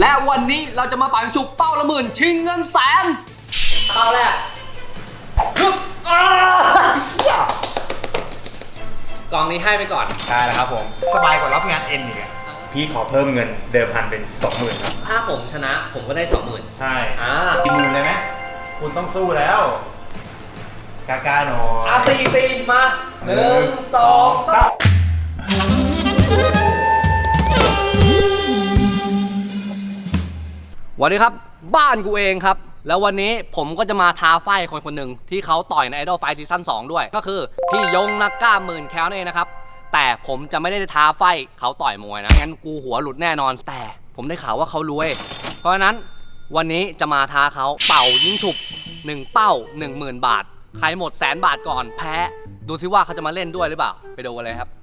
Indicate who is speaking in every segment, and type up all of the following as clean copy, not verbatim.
Speaker 1: และวันนี้เราจะมาปังจุกเป้าละหมื่นชิงเงินแสนเป้าแรกกองนี้ให้ไปก่อน
Speaker 2: ได้แล้วครับผมสบายกว่ารับงานเอ็นอีกอะพี่ขอเพิ่มเงินเดิมพันเป็น 20,000 ครับ
Speaker 1: ถ้าผมชนะผมก็ได้ 20,000
Speaker 2: ใช่กี่หมื่นเลยไหมคุณต้องสู้แล้วกล้าๆหน่อย
Speaker 1: สี่มา1 2 3วันนี้ครับบ้านกูเองครับแล้ววันนี้ผมก็จะมาท้าไฟคนหนึ่งที่เขาต่อยใน Idol Fight Season 2 ด้วยก็คือพี่ยงนักกล้าหมื่นแคลนั่นเองนะครับแต่ผมจะไม่ได้ท้าไฟเขาต่อยมวยนะงั้นกูหัวหลุดแน่นอนแต่ผมได้ข่าวว่าเขารวยเพราะฉะนั้นวันนี้จะมาท้าเขาเป่ายิงฉุบ1เป้า 10,000 บาทใครหมด100,000 บาทก่อนแพ้ดูซิว่าเขาจะมาเล่นด้วยหรือเปล่าไปดูกันเลยครับ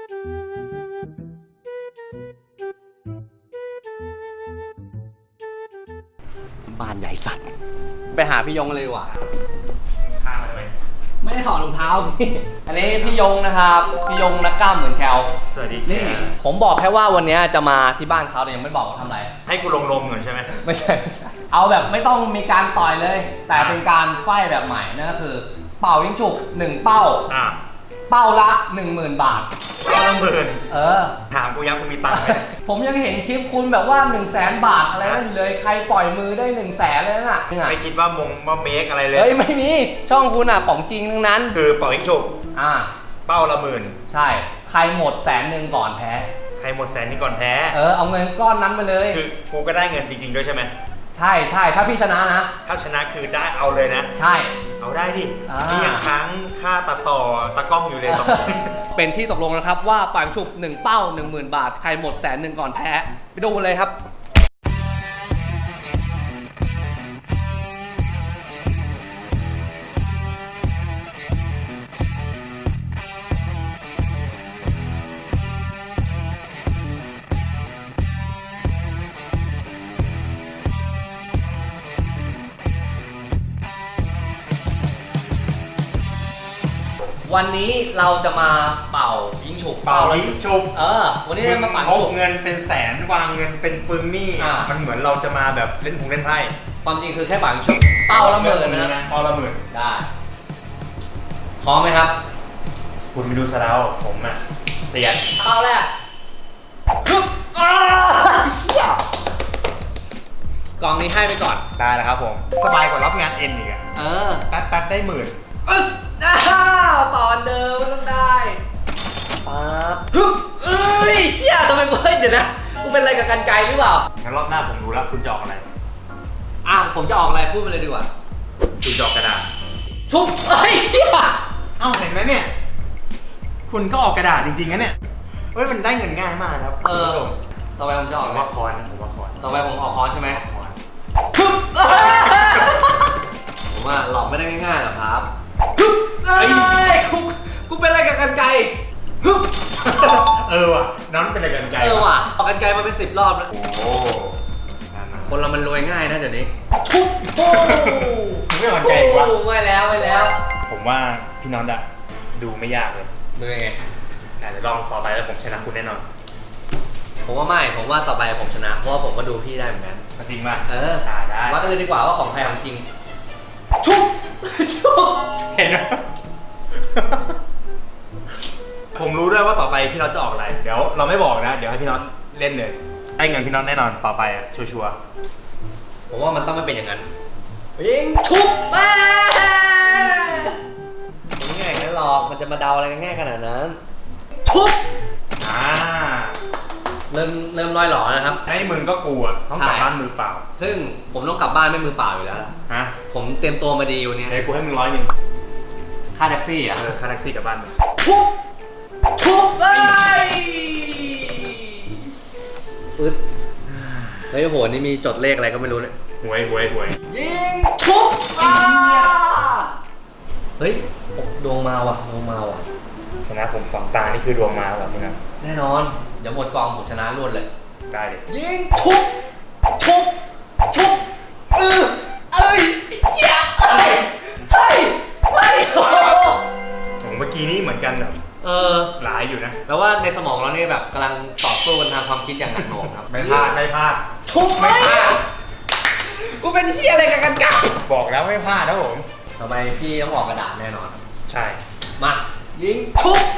Speaker 1: บ้านใหญ่สัตว์ไปหาพี่ยงเลยดีกว่า
Speaker 2: ข้ามมาเลย
Speaker 1: ไม่ได้ถอดรองเท้าพี่อันนี้พี่ยงนะครับพี่ยงนักกล้ามเหมือนแคล
Speaker 2: สวัสดี
Speaker 1: นี่ผมบอกแค่ว่าวันนี้จะมาที่บ้านเขาแต่ยังไม่บอกว่าทำอะไร
Speaker 2: ให้กูลงก่อนใช่ไหม
Speaker 1: ไม่ใช่เอาแบบไม่ต้องมีการต่อยเลยแต่เป็นการไฟแบบใหม่นั่นก็คือเป่ายิงฉุบ1เป้าเป้าละ 10,000 บาท
Speaker 2: เป้าละ
Speaker 1: 10,000
Speaker 2: ถามกูยังกูมีตังค์ไหม
Speaker 1: ผมยังเห็นคลิปคุณแบบว่า100,000 บาทอะไรนั่นเลยใครปล่อยมือได้100,000เลยน่ะ
Speaker 2: ไม่คิดว่าเมคอะไรเลย
Speaker 1: เฮ้ยไม่มีช่องคุณอ่ะของจริงทั้งนั้น
Speaker 2: คือเป่ายิงฉุบเป้าละ
Speaker 1: 10,000ใช่ใครหมด100,000ก่อนแพ้
Speaker 2: ใครหมด100,000นี่ก่อนแพ้
Speaker 1: เอาเงินก้อนนั้นไปเลย
Speaker 2: คือกูก็ได้เงินจริงๆด้วยใช่ไหม
Speaker 1: ใช่ถ้าพี่ชนะนะ
Speaker 2: ถ้าชนะคือได้เอาเลยนะ
Speaker 1: ใช่
Speaker 2: เอาได้ดินี่ยังค้างค่าตัดต่อตะกล้องอยู่เลย
Speaker 1: เป็นที่ตกลงนะครับว่าปังฉุบ1เป้า 10,000 บาทใครหมด100,000ก่อนแพ้ไปดูเลยครับวันนี้เราจะมาเป่ายิงฉุบวันนี้มาปังฉุบ
Speaker 2: เงินเป็นแสนวางเงินเป็นปึงนี่มันเหมือนเราจะมาแบบเล่นเล่นไพ่
Speaker 1: ความจริงคือแค่ปังฉุบเป้าละ10,000นะ
Speaker 2: เป้าละ10,000
Speaker 1: ได้พร้อมไหมครับ
Speaker 2: คุณไปดูซะแล้วผมอ่ะเสียด
Speaker 1: เป้าแรกกองนี้ให้ไปก่อน
Speaker 2: ได้แล้วครับผมสบายกว่ารับงานเอ็นอีกอะแป๊บได้10,000
Speaker 1: เป่าอันเดิมต้องได้ปั๊บเชี่ยทำไมกูเดี๋ยวนะกูเป็นอะไรกับกันไกลหรือเปล่า
Speaker 2: งั้นรอบหน้าผมรู้แล้วคุณจะออกอะไร
Speaker 1: ผมจะออกอะไรพูดไปเลยดีกว่า
Speaker 2: คุณจะออกกระดาษ
Speaker 1: ชุบเชี่ย
Speaker 2: เห็นไหมเนี่ยคุณก็ออกกระดาษจริงๆนะเนี่ยมันได้เงินง่ายมากครับคุณผู้ชม
Speaker 1: ต่อไปผมจะออก
Speaker 2: ว่าคอน
Speaker 1: ต่อไปผมออกคอนใช่ไหมผมว่าหลอกไม่ได้ง่ายๆหรอกครับกูเป็นอะไรกับกันไก
Speaker 2: ว่ะน้องเป็นอะไรกันไก
Speaker 1: ว่ะออกกันไกมาเป็น10 รอบแล้วคนเรามันรวยง่ายนะเดี๋ยวนี้
Speaker 2: ไม่กันไกวะ
Speaker 1: ไม่แล้ว
Speaker 2: ผมว่าพี่น้องจะดูไม่ยากเลย
Speaker 1: ดูยังไง
Speaker 2: เดี๋ยวลองต่อไปแล้วผมชนะคุณแน่นอน
Speaker 1: ผมว่าต่อไปผมชนะเพราะว่าผมก็ดูพี่ได้เหมือนกัน
Speaker 2: จริงป่ะ
Speaker 1: ได้วัดกันเลยดีกว่าว่าของใครของจริง
Speaker 2: เห็นไหมผมรู้ด้วยว่าต่อไปพี่น็อตจะออกอะไรเดี๋ยวเราไม่บอกนะเดี๋ยวให้พี่น็อตเล่นเลยได้เงินพี่น็อตแน่นอนต่อไปชัวร์
Speaker 1: ผมว่ามันต้องไม่เป็นอย่างนั้นยิงชุบมาไม่ง่ายงั้นหรอกมันจะมาเดาอะไรง่ายขนาดนั้นชุบเริ่มลอยหล่อนะครับ
Speaker 2: ให้มึงก็กลัวต้องกลับบ้านมือเปล่า
Speaker 1: ซึ่งผมต้องกลับบ้านไม่มือเปล่าอยู่แล้วผมเตรียมตัวมาดีวันนี้
Speaker 2: กูให้มึง100
Speaker 1: ค่าแท็กซี่
Speaker 2: ค่าแท็กซี่กลับบ้าน
Speaker 1: ชุบไปเฮ้ยโหนี่มีจดเลขอะไรก็ไม่รู้เนี่ย
Speaker 2: หวย
Speaker 1: ยิงชุบเฮ้ยดวงมาว่ะ
Speaker 2: ชนะผม2 ตานี่คือดวงมาแบบนี้นะ
Speaker 1: แน่นอนเดี๋ยวหมดกองผมชนะรวดเลย
Speaker 2: ได้เลย
Speaker 1: ยิงชุบเชี่ยเฮ้ย
Speaker 2: เมื่อกี้นี้เหมือนกันแบบหลายอยู่นะ
Speaker 1: แปลว่าในสมองเราเนี่ยแบบกำลังต่อสู้กันทางความคิดอย่างหนักหน่วงครับ
Speaker 2: ไม่พลาดไม่พลาด
Speaker 1: ทุบไม่พลาดกูเป็นเฮียอะไรกับกันไก่
Speaker 2: บอกแล้วไม่พลาดนะผม
Speaker 1: ต่อไปพี่ต้องออกกระดาษแน่นอน
Speaker 2: ใช่
Speaker 1: มายิงทุบ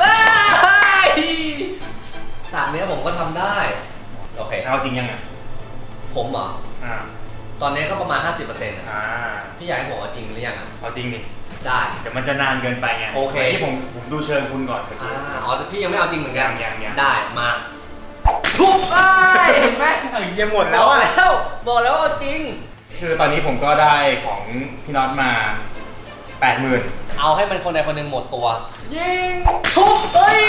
Speaker 1: ฉากนี้ผมก็ทำได้โอเค
Speaker 2: เอาจริงยังไง
Speaker 1: ผมเหรอ
Speaker 2: อ่า
Speaker 1: ตอนนี้ก็ประมาณ 50%นะ
Speaker 2: อ่า
Speaker 1: พี่อยากให้ผมเอาจริงหรือยังอ่ะ
Speaker 2: เอาจริงดิ
Speaker 1: ได้
Speaker 2: เดี๋ยวมันจะนานเกินไปไง
Speaker 1: โอเค
Speaker 2: ที่ผมดูเชิงคุณก่อนเมื่อกี้
Speaker 1: อ๋อแต่พี่ยังไม่เอาจริงเหมือนกัน
Speaker 2: ยัง
Speaker 1: ได้มาทุบเห็นไหม
Speaker 2: ยังหมดแล้วอ่ะ
Speaker 1: บอกแล้วเอาจริง
Speaker 2: คือตอนนี้ผมก็ได้ของพี่น็อตมา 80,000
Speaker 1: เอาให้มันคนใดคนหนึ่งหมดตัว ยิงทุบเอ้ย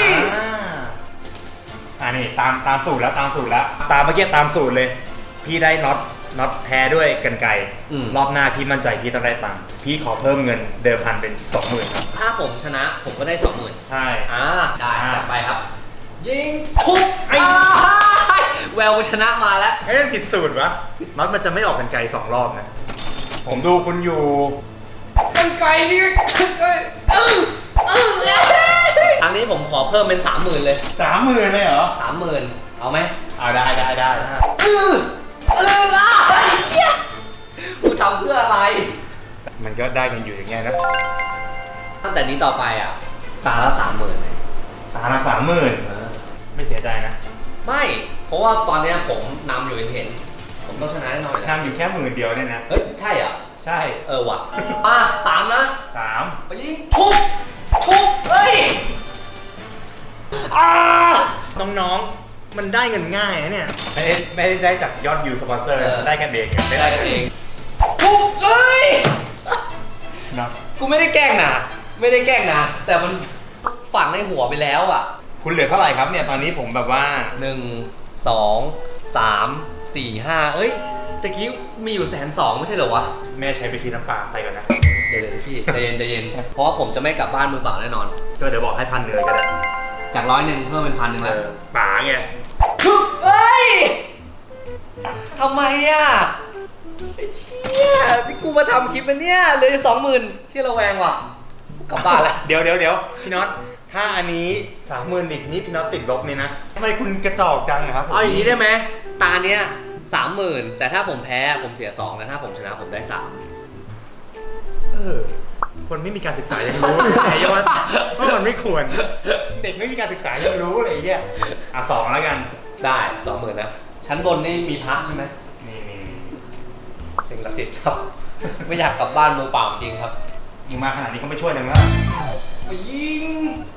Speaker 2: นี่ตามสูตรแล้วตามสูตรแล้ว ตามเมื่อกี้ตามสูตรเลย พี่ได้น็อตแพ้ด้วยกรรไกรรอบหน้าพี่มั่นใจพี่ต้องได้ตังค์พี่ขอเพิ่มเงินเดิมพันเป็น 20,000 ครับ
Speaker 1: ถ้าผมชนะผมก็ได้ 20,000
Speaker 2: ใช่
Speaker 1: ได้จัดไปครับ ยิงทุบแววชนะมาแล้ว
Speaker 2: เฮ้ยผิดสูตรวะน็อตมันจะไม่ออกกรรไกร2 รอบนะ ผมดูคุณอยู่
Speaker 1: กันไก่นี่ครั้งนี้ผมขอเพิ่มเป็น 30,000 เลย
Speaker 2: 30,000เลยเหรอ
Speaker 1: 30,000 เอาไหม
Speaker 2: เอาได้
Speaker 1: กูทำเพื่ออะไร
Speaker 2: มันก็ได้กันอยู่อย่างเงี้ยนะ
Speaker 1: ตั้งแต่นี้ต่อไปอ่ะตาละ 30,000 เลย
Speaker 2: ตาละ30,000ไม่เสียใจนะ
Speaker 1: ไม่ เพราะว่าตอนเนี้ยผมนำอยู่เห็น ผมต้องชนะแน่นอน
Speaker 2: นำอยู่แค่10,000 เดียวเนี่ยนะ
Speaker 1: เฮ้ย ใช่เหรอ
Speaker 2: ใช่
Speaker 1: ว่ะ3 นะ
Speaker 2: 3
Speaker 1: ไปยิงทุบเฮ้ย
Speaker 2: น้องๆ มันได้เงินง่ายนะเนี่ย ไม่ได้จากยอดวิวสปอนเซอร์ ได้กันเอง
Speaker 1: ไม่ได้กันเองทุบเฮ้ย
Speaker 2: เนาะ
Speaker 1: กูไม่ได้แกล้งนะแต่มันฝังในหัวไปแล้วอ่ะ
Speaker 2: คุณเหลือเท่าไหร่ครับเนี่ย ตอนนี้ผมแบบว่า
Speaker 1: 1 2 3 4 5เอ้ยตะกี้มีอยู่120,000ไม่ใช่เหรอวะ
Speaker 2: แม่ใช้ไปซื้อน้ำปลาไปก่อนนะ
Speaker 1: เดี๋ยวพี่ใจเย็นเพราะว่าผมจะไม่กลับบ้านมือเปล่าแน่นอน
Speaker 2: ก็เดี๋ยวบอกให้1,000เลยก็ได้
Speaker 1: จาก100เพิ่มเป็น1,000แล้ว
Speaker 2: ป๋าไง
Speaker 1: เฮ้ยทำไมอ่ะไอ้เชี่ยนี่กูมาทำคลิปมันเนี่ยเลย20,000ที่ระแวงว่ะกลับบ้านแล้ว
Speaker 2: เดี๋ยวพี่น็อต ถ้าอันนี้30,000อีกนี่พี่น็อตติดลบนี่นะทำไมคุณกระจอกจังครับ
Speaker 1: เอาอย่างนี้ได้ไหมตาเนี้ย30,000แต่ถ้าผมแพ้ผมเสีย2แล้วถ้าผมชนะผมได้3
Speaker 2: คนไม่มีการศึกษายังรู้ไอ้ว่ามันไม่ควร เด็กไม่มีการศึกษายังรู้อะไรอย่างเงี้ย2แล้วกัน
Speaker 1: ได้20,000นะชั้นบนนี่มีพระใช่ไหม
Speaker 2: นี่
Speaker 1: สิ่งศักดิ์สิทธิ์ครับ ไม่อยากกลับบ้านมือเปล่าจริงครับ
Speaker 2: มึงมาขนาดนี้ก็ไม่ช่วยเลยแล้ว
Speaker 1: ไปยิง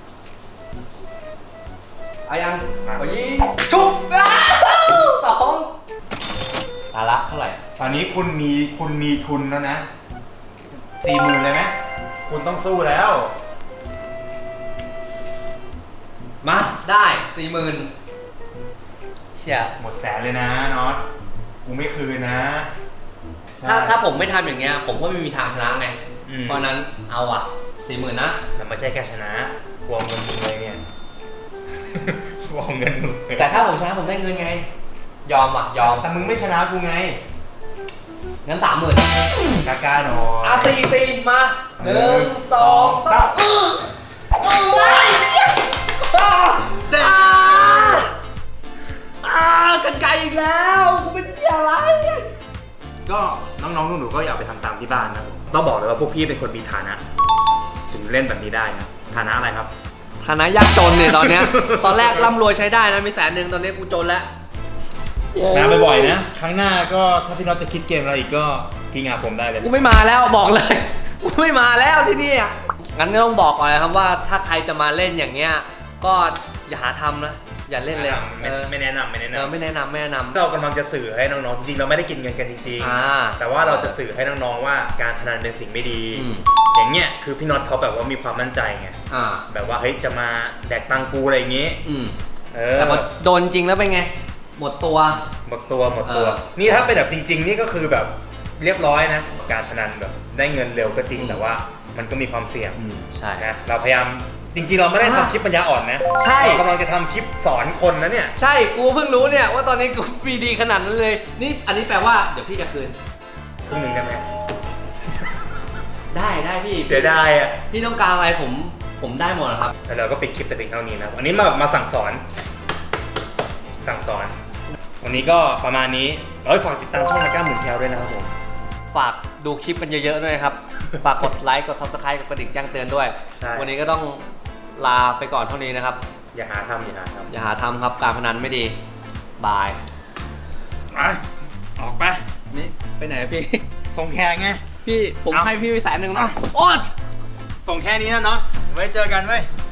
Speaker 1: อายังไปยิงชุบ2ตาละเท่าไหร่
Speaker 2: ตอนนี้คุณมีทุนแล้วนะ 40,000เลยไหมคุณต้องสู้แล้ว
Speaker 1: มาได้40,000เชี่ย
Speaker 2: หมดแสนเลยนะน็อตกูไม่คืนนะ
Speaker 1: ถ้าผมไม่ทำอย่างเงี้ยผมก็ไม่มีทางชนะไง เพราะนั้นเอาอ่ะ40,000นะ
Speaker 2: แล้วไม่ใช่แค่ชนะวงเงินมึงเลยเนี่ย วงเงินมึง
Speaker 1: แต่ถ้าผมชนะผมได้เงินไง ยอมอ่ะยอม
Speaker 2: แต่มึงไม่ชนะกูไง
Speaker 1: งั้น30,000
Speaker 2: กล้าๆหน่อย
Speaker 1: 4มา1 2 3กันไกลอีกแล้วกูเป็นเหี้ยอะไร
Speaker 2: ก็น้องๆหนูๆก็อย่าไปทำตามที่บ้านนะต้องบอกเลยว่าพวกพี่เป็นคนมีฐานะ ถึงเล่นแบบนี้ได้นะฐานะอะไรครับ
Speaker 1: ฐานะยากจนเนี่ยตอนเนี้ย ตอนแรกร่ำรวยใช้ได้นะมี100,000ตอนนี้กูจนแล้ว
Speaker 2: มาบ่อยๆนะ ครั้งหน้าก็ถ้าพี่น็อตจะคิดเกมอะไรอีกก็กินงาผมได้เลย
Speaker 1: กูไม่มาแล้วบอกเลย กูไม่มาแล้วที่นี่อ่ะงั้นก็ต้องบอกก่อนนะครับว่าถ้าใครจะมาเล่นอย่างเงี้ยก็อย่าหาทำนะอย่าเล่นเลย
Speaker 2: ไม่แนะนำ
Speaker 1: ไม่แนะนำ
Speaker 2: เรากำลังจะสื่อให้น้องๆจริงๆเราไม่ได้กินเงินกันจริงๆแต่ว่าเราจะสื่อให้น้องๆว่าการพนันเป็นสิ่งไม่ดี อย่างเงี้ยคือพี่น็อตเขาแบบว่ามีความมั่นใจไงแบบว่าเฮ้ยจะมาแดกตังกูอะไรอย่างงี้
Speaker 1: แต่พอโดนจริงแล้วเป็นไงหมดตัว
Speaker 2: นี่ถ้าเป็นแบบจริงๆนี่ก็คือแบบเรียบร้อยนะการพนันแบบได้เงินเร็วก็จริงแต่ว่ามันก็มีความเสี่ยง
Speaker 1: ใช่
Speaker 2: นะเราพยายามจริงๆเราไม่ได้ทำคลิปปัญญาอ่อนนะเรากำลังจะทำคลิปสอนคนนะเนี่ย
Speaker 1: ใช่กูเพิ่งรู้เนี่ยว่าตอนนี้กูปีดีขนาดนั้นเลยนี่อันนี้แปลว่าเดี๋ยวพี่จะคืน
Speaker 2: ครึ่งหนึ่งได้ไหม
Speaker 1: ได้พี่
Speaker 2: เสียดายอ่ะ
Speaker 1: พี่ต้องการอะไรผมผมได้หมดนะครับ
Speaker 2: แล้วเราก็ปิดคลิปแต่เพียงเท่านี้นะครับอันนี้มาสั่งสอน วันนี้ก็ประมาณนี้ฝากติดตามช่องนักกล้ามหมุนแคลด้วยนะครับผม
Speaker 1: ฝากดูคลิปกันเยอะๆด้วยครับ ฝากกดไลค์ กด Subscribe กดกระดิ่งแจ้งเตือนด้วย วันนี้ก็ต้องลาไปก่อนเท่านี้นะครับ
Speaker 2: อย่าหาทำ
Speaker 1: อย่าหาทำครับ การพนันไม่ดี บาย
Speaker 2: ไปออกไป
Speaker 1: นี่ไปไหนพี่
Speaker 2: ส่งแขกไง
Speaker 1: พี่ผม
Speaker 2: เอา
Speaker 1: ให้พี่ไป100,000นะโอ๊ย
Speaker 2: ส่งแค่นี้นะเนาะไว้เจอกันเว้ย